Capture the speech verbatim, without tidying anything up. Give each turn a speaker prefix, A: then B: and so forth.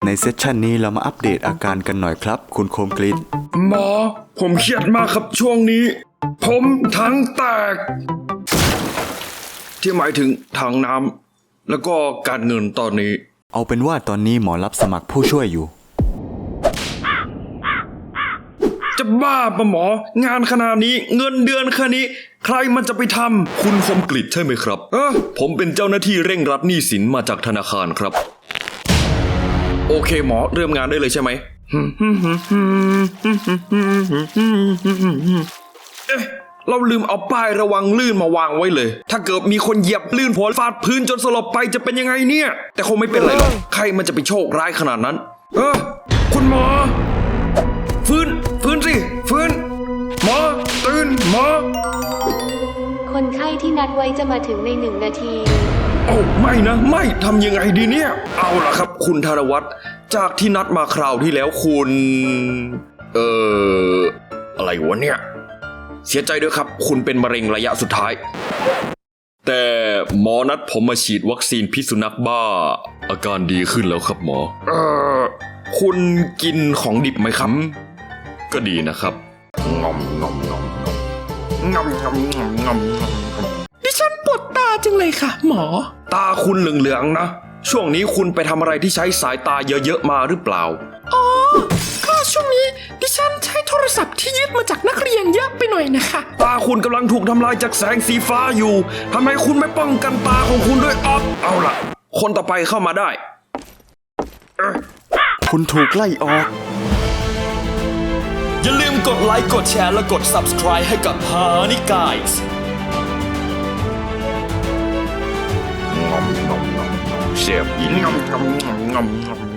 A: ในเซสชันนี้เรามาอัปเดตอาการกันหน่อยครับคุณโคมกลิน
B: หมอผมเครียดมากครับช่วงนี้ผมทั้งแตกที่หมายถึงถังน้ำแล้วก็การเงินตอนนี้
A: เอาเป็นว่าตอนนี้หมอรับสมัครผู้ช่วยอยู่
B: จะบ้าปะหมองานขนาดนี้เงินเดือนแค่นี้ใครมันจะไปทำคุณคมกลิตใช่ไหมครับเออผมเป็นเจ้าหน้าที่เร่งรัดหนี้สินมาจากธนาคารครับโอเคหมอเริ่มงานได้เลยใช่ไหมเอ๊ะเราลืมเอาป้ายระวังลื่นมาวางไว้เลยถ้าเกิดมีคนเหยียบลื่นหัวฟาดพื้นจนสลบไปจะเป็นยังไงเนี่ยแต่คงไม่เป็นไรหรอกใครมันจะไปโชคร้ายขนาดนั้นเออคุณหมอฟื้นฟื้นสิฟื้นหมอตื่นหมอ
C: คนไข้ที่นัดไว้จะมาถึงในหนึ่งนาที
B: โอ้ไม่นะไม่ทำยังไงดีเนี่ยเอาล่ะครับคุณธนวัฒน์จากที่นัดมาคราวที่แล้วคุณเอ่ออะไรวะเนี่ยเสียใจด้วยครับคุณเป็นมะเร็งระยะสุดท้ายแต่หมอนัดผมมาฉีดวัคซีนพิษสุนัขบ้าอาการดีขึ้นแล้วครับหมอเอ่อคุณกินของดิบไหมครับก็ดีนะครับงอมงอมงอมงอมงอมงอมงอมงอม
D: ดิฉันปวดตาจังเลยค่ะหมอ
B: ตาคุณเหลืองๆนะช่วงนี้คุณไปทำอะไรที่ใช้สายตาเยอะๆมาหรือเปล่า
D: อ๋อก็ช่วงนี้ดิฉันใช้โทรศัพท์ที่ยึดมาจากนักเรียนเยอะไปหน่อยนะคะ
B: ตาคุณกำลังถูกทำลายจากแสงสีฟ้าอยู่ทำไมคุณไม่ป้องกันตาของคุณด้วยอ๊อฟเอาล่ะคนต่อไปเข้ามาได้
A: คุณถูกไล่ออก
B: อย่าลืมกดไลค์กดแชร์และกด Subscribe ให้กับ Honey Guys งอมงอมงอมเสียบอีกงอมงอมงอมงอม